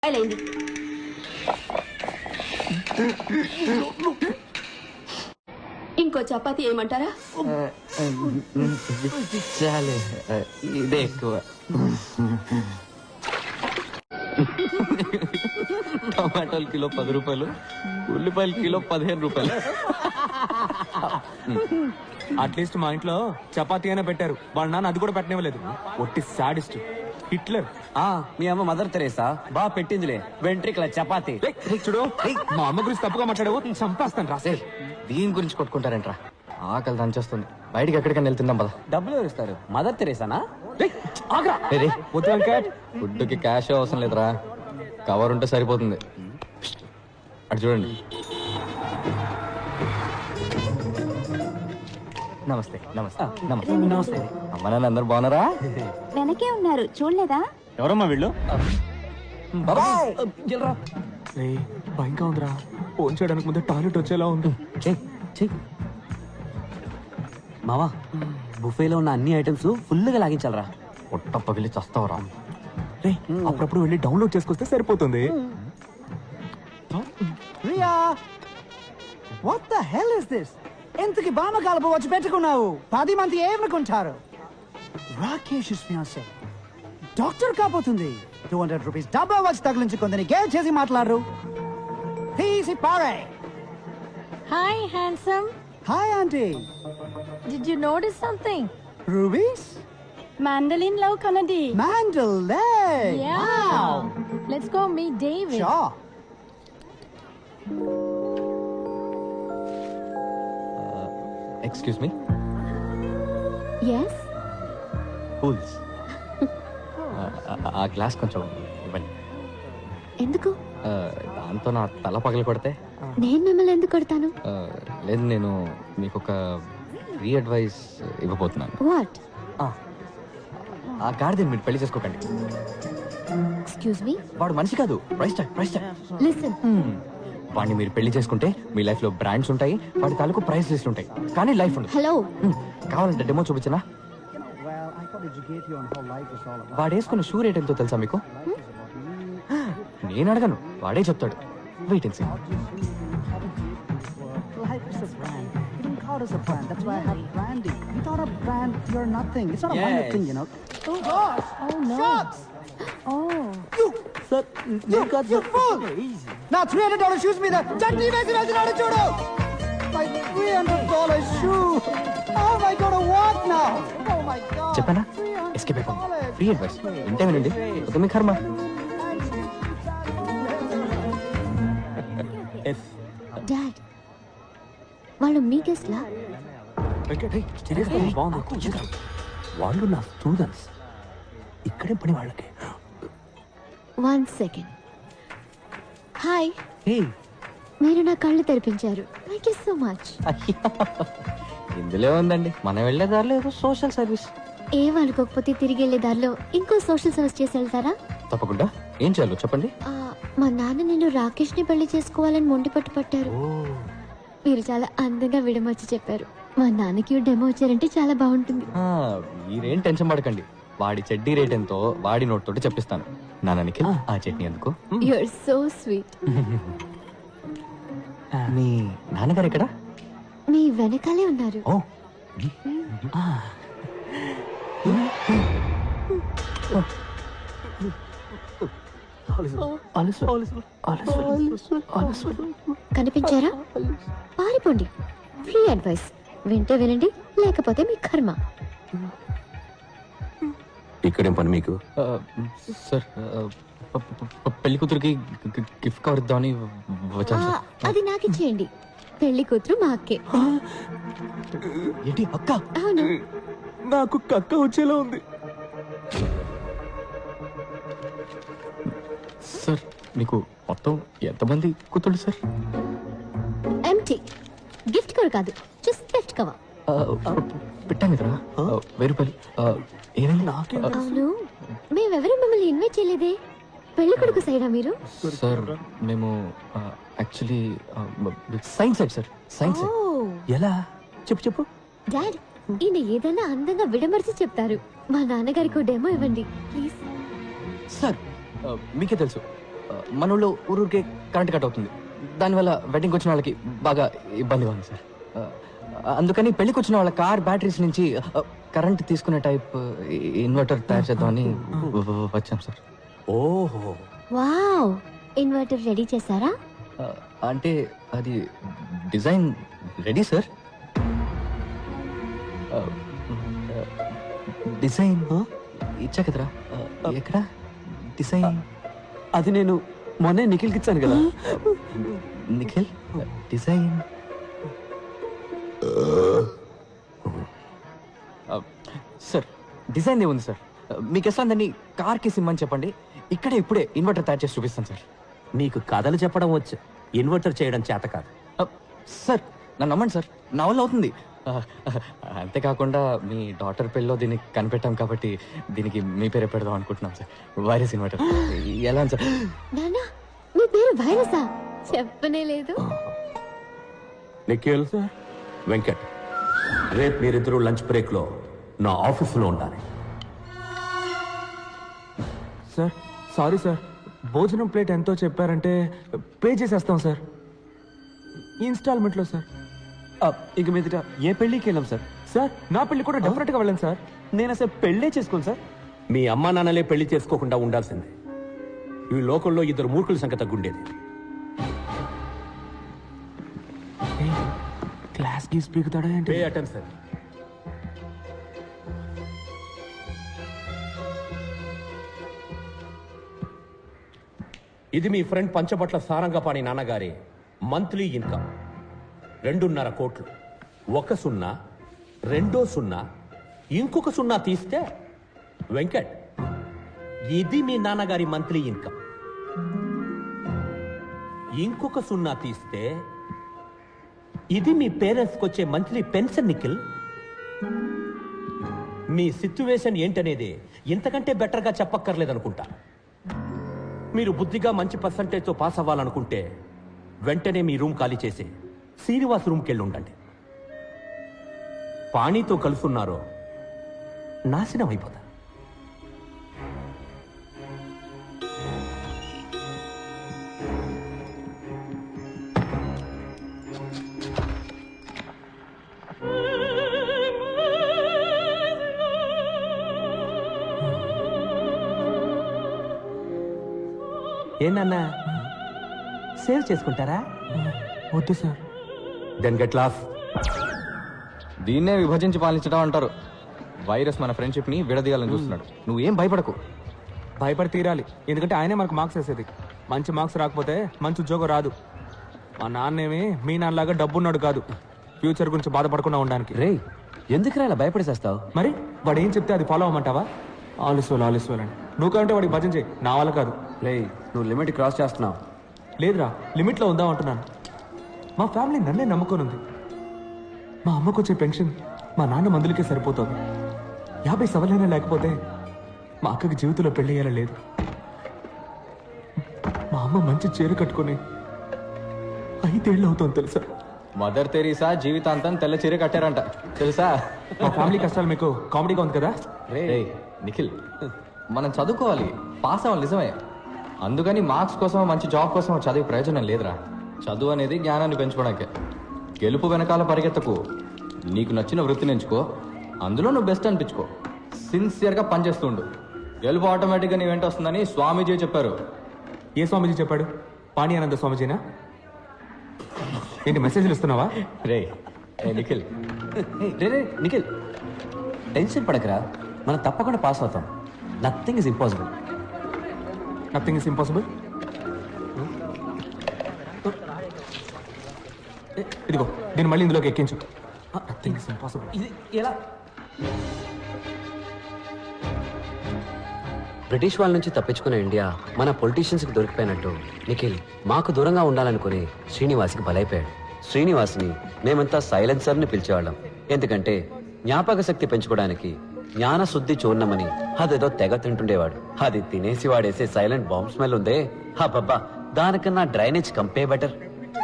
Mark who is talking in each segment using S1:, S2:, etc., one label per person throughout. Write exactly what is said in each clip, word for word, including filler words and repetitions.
S1: అయింది. ఇంకో చపాతీ ఏమంటారా?
S2: చాలే, ఇదే ఎక్కువ. టమాటాలు కిలో పది రూపాయలు, ఉల్లిపాయలు కిలో పదిహేను రూపాయలు. అట్లీస్ట్ మా ఇంట్లో చపాతీ అయినా పెట్టారు, వాళ్ళ నాన్న అది కూడా పెట్టనివ్వలేదు. ఒట్టి సాడిస్ట్ హిట్లర్.
S3: ఆ మీ అమ్మ మదర్ తెరేసా బా పెట్టిందిలే వెంట్రికల చపాతి.
S2: చూడు, మా అమ్మ గురించి తప్పుగా మాట్లాడావు, చంపేస్తాను రాసే. దీని గురించి కొట్టుకుంటారంట్రా, ఆకలి దంచేస్తుంది. బయటికి ఎక్కడికైనా వెళ్తుందాం పద.
S3: డబ్బులు ఎవరు ఇస్తారు? మదర్ తెరేసానా?
S2: ఫుడ్ కి క్యాష్ అవసరం లేదురా, కవర్ ఉంటే సరిపోతుంది. అటు చూడండి.
S3: నమస్తే నమస్తే నమస్తే నమస్తే.
S2: అమ్మ నాన్న అందరు బాగున్నారా?
S1: వెనకే ఉన్నారు, చూడలేదా?
S3: ఎవరమ్మా వీళ్ళు?
S2: భయంగా ఉందిరా, ఫోన్ చేయడానికి ముందే టాయిలెట్ వచ్చేలా ఉంది.
S3: మావా, బుఫేలో ఉన్న అన్ని ఐటమ్స్ ఫుల్ గా లాగించాలరా.
S2: పొట్ట పగిలి చస్తావరా. రే, అప్పుడప్పుడు వెళ్ళి డౌన్లోడ్ చేసుకొస్తే సరిపోతుంది.
S4: Riya, what the hell is this? ఎంతకి బామ కలుపు వచ్చి పెట్టుకున్నావు? పది మంది ఏమనుకుంటారు? రాకేష్ ఫియాన్సే డాక్టర్ కాబోతుంది. టూ హండ్రెడ్ రూపీస్ డబ్బా వచ్చి తగిలించుకుందని గేల్ చేసి మాట్లాడరు. తీసి పారే.
S5: Hi, handsome.
S4: Hi aunty.
S5: Did you notice something?
S4: రూబీస్
S5: Mandolin love Kanadi.
S4: మ్యాండల్ లే.
S5: Yeah. Let's go meet David.
S4: షా.
S2: Excuse me.
S1: yes
S2: కూల్స్. ఆ గ్లాస్ కొంచెం ఇవ్వండి.
S1: ఎందుకు?
S2: ఆ, దాంతో నా తల పగలు కొడితే.
S1: నేను మిమ్మల్ని ఎందుకు కొడతాను?
S2: ఆ, లేదు, నేను మీకు ఒక ఫ్రీ అడ్వైస్ ఇవ్వబోతున్నాను.
S1: వాట్?
S2: ఆ గాడిదని మీరు పెళ్లి చేసుకోకండి.
S1: Excuse me.
S2: వాడు మనిషి కాదు, price tag, price tag.
S1: Listen,
S2: వాడిని మీరు పెళ్లి చేసుకుంటే మీ లైఫ్ లో బ్రాండ్స్ ఉంటాయి, వాడి తాలూకు ప్రైస్ లిస్ట్ ఉంటాయి, కానీ లైఫ్ ఉండదు.
S1: హలో.
S2: హ్మ్, కావాలంటే డెమో చూపించనా?
S4: Well, I thought educate you on how life is all about.
S2: వాడు వేసుకున్న షూ రేట్ ఎంతో తెలుసా మీకు? నేను అడగను, వాడే చెప్తాడు. Wait and see.
S4: Life is a brand. You don't call us a brand. That's why I have branding. Without a brand, you're nothing. It's not a minor
S3: Yes.
S4: thing, you know. Oh gosh!
S5: Oh no.
S4: Shucks!
S5: Oh.
S4: You,
S3: sir
S4: you, you fool! Now three hundred dollar shoes మీద చట్నీ వేసి వేసినాడు చూడు. My three hundred dollar shoe. How am I going to walk now? Oh my God.
S2: చెప్పానా?
S4: three hundred
S2: escape అయిపోయింది.
S4: dollars.
S2: Free advice ఇంటే వినండి, ఒక మీ కర్మ.
S1: డాడ్, వాళ్ళు మీ గెస్ట్ లా?
S3: వాళ్ళు నా స్టూడెంట్స్, ఇక్కడే పని వాళ్ళకి.
S1: One second. హాయ్,
S3: హే,
S1: మీరు నా కళ్ళు తెరిపించారు. Thank you so much.
S2: ఇందులో ఉందండి, మనం వెళ్ళే దారిలో ఏదో సోషల్ సర్వీస్.
S1: ఏం అనుకోకపోతే తిరిగి వెళ్ళే దారిలో ఇంకో సోషల్ సర్వీస్ చేసి వెళ్తారా?
S2: తప్పకుండా. ఏం చేయాలో చెప్పండి.
S1: ఆ, మా నాన్న నేను రాకేష్ ని పెళ్లి చేసుకోవాలని మొండి పట్టు పట్టారు. మీరు చాలా అందంగా విడమర్చి చెప్పారు. మా నాన్నకి డెమో వచ్చారంటే చాలా బాగుంటుంది.
S2: ఆ, మీరేం టెన్షన్ పడకండి, వాడి చెడ్డీ రేట్ ఎంతో వాడి నోట్ తోటి చెప్పిస్తాను. నాన్నకి ఆ చట్నీ ఎందుకు?
S1: You are so sweet.
S2: మీ నాన్నగారు ఎక్కడ?
S1: మీ వెనకాలే ఉన్నారు.
S2: ఓ,
S1: కనిపించారా? పారిపోండి. ఫ్రీ అడ్వైస్ వింటే వినండి, లేకపోతే మీ కర్మ.
S3: ఇక్కడేం పని మీకు?
S2: ఆ, సార్, ఆ, ప- ప- ప- పెళ్లి కూతురికి గి- గిఫ్ట్ కవర్ ఇద్దామని వచ్చాను
S1: ఆ,
S2: సార్.
S1: అది నాకు ఇచ్చేయండి. పెళ్లి కూతురు మా అక్కే.
S2: ఏంటి అక్క?
S1: అవును.
S2: నాకు కక్క వచ్చేలా ఉంది. సార్, మీకు మొత్తం ఎంతమంది కూతుళ్ళు సార్?
S1: ఎంటీ. గిఫ్ట్ కవర్ కాదు, జస్ట్ గిఫ్ట్ కవర్.
S2: ఆ, ప- పెట్టాను కదరా, ఆ, వెయ్యి రూపాయలు. ఆ, ఏమైంది? ఆ,
S1: అవును, మేమెవరూ మిమ్మల్ని ఇన్వైట్ చేయలేదే. పెళ్లి కొడుకు సైడా మీరు?
S2: సార్, మేము actually science side sir, science side.
S1: ఓ
S3: ఎలా? చెప్పు చెప్పు.
S1: డాడ్, ఈయన ఏదైనా అందంగా విడమర్చి చెప్తారు. మా నాన్నగారికి డెమో ఇవ్వండి ప్లీజ్.
S2: సార్, మీకే తెలుసు, మన ఊళ్ళో ఊరూరికే కరెంట్ కట్ అవుతుంది. దానివల్ల వెడ్డింగ్కి వచ్చిన వాళ్ళకి బాగా ఇబ్బందిగా ఉంది సార్. ఆ, అందుకని పెళ్లికి వచ్చిన వాళ్ళ కార్ బ్యాటరీస్ నుంచి కరెంట్ తీసుకునే టైప్ ఇన్వర్టర్ తయారు చేద్దామని వచ్చాం సార్.
S3: ఓహో,
S1: వావ్, ఇన్వర్టర్ రెడీ చేశారా?
S2: ఆ, అంటే అది డిజైన్ రెడీ సార్. ఆ, డిజైన్ ఇచ్చా కదరా, ఎక్కడ డిజైన్?
S3: అది నేను మొన్నే నిఖిల్కి ఇచ్చాను కదా.
S2: నిఖిల్ డిజైన్ సార్, డిజైన్ ఏముంది సార్? మీకు ఎట్లా దాన్ని కార్కి సిమ్మని చెప్పండి, ఇక్కడే ఇప్పుడే ఇన్వర్టర్ తయారు చేసి చూపిస్తాను సార్.
S3: నీకు కథలు చెప్పడం వచ్చు, ఇన్వర్టర్ చేయడం చేత కాదు.
S2: ఆ, సార్ నన్ను నమ్మండి సార్, నా వల్ల అవుతుంది. ఆ, అంతేకాకుండా మీ డాటర్ పెళ్ళిలో దీన్ని కనిపెట్టాం కాబట్టి దీనికి మీ పేరే పెడదాం అనుకుంటున్నాం సార్. వైరస్ ఇన్వర్టర్ ఎలా ఉంది సార్?
S1: నానా, మీ పేరు వైరసా? చెప్పనే లేదు.
S6: నిఖిల్ వెంకట్, రేపు మీరిద్దరూ లంచ్ బ్రేక్ లో నా ఆఫీసులో ఉండాలి.
S7: సార్ సారీ సార్, భోజనం ప్లేట్ ఎంతో చెప్పారంటే పే చేసేస్తాం సార్, ఇన్స్టాల్మెంట్లో సార్.
S3: ఆ, ఇక మీదట ఏ పెళ్ళికి వెళ్ళాం సార్?
S7: సార్ నా పెళ్లి కూడా డెఫినెట్గా వెళ్ళండి సార్.
S3: నేను అసలు పెళ్ళే చేసుకోను సార్.
S6: మీ అమ్మా నాన్నలే పెళ్లి చేసుకోకుండా ఉండాల్సిందే. ఈ లోకంలో ఇద్దరు మూర్ఖుల సంఖ్య తగ్గుండేది.
S7: క్లాస్ గీస్ పీకుతాడా ఏంటి?
S6: Pay attention. ఇది మీ ఫ్రెండ్ పంచబట్ల సారంగపాణి నాన్నగారి మంత్లీ ఇన్కమ్ రెండున్నర కోట్లు. ఒక సున్నా, రెండో సున్నా, ఇంకొక సున్నా తీస్తే వెంకట్, ఇది మీ నాన్నగారి మంత్లీ ఇన్కమ్. ఇంకొక సున్నా తీస్తే ఇది మీ పేరెంట్స్కి వచ్చే మంత్లీ పెన్షన్. నిఖిల్, మీ సిచ్యువేషన్ ఏంటనేది ఇంతకంటే బెటర్గా చెప్పక్కర్లేదనుకుంటా. మీరు బుద్ధిగా మంచి పర్సంటేజ్తో పాస్ అవ్వాలనుకుంటే వెంటనే మీ రూమ్ ఖాళీ చేసి శ్రీనివాస్ రూమ్కి వెళ్ళి ఉండండి. పాణితో కలుసున్నారో నాశనం అయిపోతా.
S3: ఏంటన్నా, సేవ్ చేసుకుంటారా?
S7: వద్దు సార్.
S6: Then get lost.
S2: దీన్నే విభజించి పాలించడం అంటారు. వైరస్ మన ఫ్రెండ్షిప్ ని విడదీయాలని చూస్తున్నాడు. నువ్వేం భయపడకు.
S7: భయపడి తీరాలి, ఎందుకంటే ఆయనే మనకు మార్క్స్ వేసేది. మంచి మార్క్స్ రాకపోతే మంచి ఉద్యోగం రాదు. మా నాన్నేమి మీ నాన్నలాగా డబ్బున్నాడు కాదు, ఫ్యూచర్ గురించి బాధపడకుండా ఉండడానికి.
S3: రే, ఎందుకురా ఇలా భయపడేసేస్తావు?
S7: మరి వాడు ఏం చెప్తే అది ఫాలో అవ్వమంటావా? ఆలస్వాలు ఆలస్వాలు అని నువ్వు కంటే వాడికి భజన చేయి, నా వల్ల కాదు.
S3: రే, నువ్వు లిమిట్ క్రాస్ చేస్తున్నావు.
S7: లేదురా, లిమిట్లో ఉందాం అంటున్నాను. మా ఫ్యామిలీ నన్నే నమ్ముకొని ఉంది. మా అమ్మకు వచ్చే పెన్షన్ మా నాన్న మందులకే సరిపోతుంది. యాభై సవలైనా లేకపోతే మా అక్కకి జీవితంలో పెళ్లి అయ్యేలా లేదు. మా అమ్మ మంచి చీర కట్టుకొని ఐదేళ్ళు అవుతుంది తెలుసా?
S2: మదర్ తెరీసా జీవితాంతం తెల్ల చీర కట్టారంట తెలుసా?
S7: మా ఫ్యామిలీ కష్టాలు మీకు కామెడీగా ఉంది కదా?
S2: రేయ్ నిఖిల్, మనం చదువుకోవాలి, పాస్ అవ్వాలి నిజమే. అందుకని మార్క్స్ కోసం మంచి జాబ్ కోసం చదివే ప్రయోజనం లేదురా. చదువు అనేది జ్ఞానాన్ని పెంచుకోవడానికే. గెలుపు వెనకాల పరిగెత్తకు, నీకు నచ్చిన వృత్తిని ఎంచుకో, అందులో నువ్వు బెస్ట్ అనిపించుకో, సిన్సియర్గా పనిచేస్తుండు. గెలుపు ఆటోమేటిక్గా నీ వెంట వస్తుందని స్వామీజీ చెప్పారు.
S7: ఏ స్వామీజీ చెప్పాడు? పాణి ఆనంద స్వామీజీనా? ఏంటి మెసేజ్లు ఇస్తున్నావా?
S2: రే ఏ నిఖిల్,
S3: రే రే నిఖిల్, టెన్షన్ పడకరా, మనం తప్పకుండా పాస్ అవుతాం. Nothing is impossible.
S7: Nothing is impossible. ఇదిగో దీన్ని మళ్ళీ ఇందులోకి ఎక్కించు. Nothing is impossible.
S3: ఇది ఎలా? బ్రిటిష్ వాళ్ళ నుంచి తప్పించుకున్న ఇండియా మన పొలిటీషియన్స్కి దొరికిపోయినట్టు నిఖిల్ మాకు దూరంగా ఉండాలనుకుని శ్రీనివాస్కి బలైపోయాడు. శ్రీనివాస్ని మేమంతా సైలెన్సర్ని పిలిచేవాళ్ళం. ఎందుకంటే జ్ఞాపక శక్తి పెంచుకోవడానికి జ్ఞాన శుద్ధి చూర్ణమని అదేదో తెగ తింటుండేవాడు. అది తినేసి వాడేసే సైలెంట్ బాంబ్ స్మెల్ ఉందే, హబ్బబ్బా, దానికన్నా డ్రైనేజ్ కంపే better.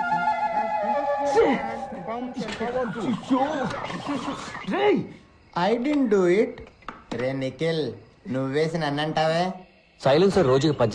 S8: I didn't do it. రే నిఖిల్, నువ్వేసి నన్నంటావే.
S3: సైలెన్సర్ రోజుకి పద్దెనిమిది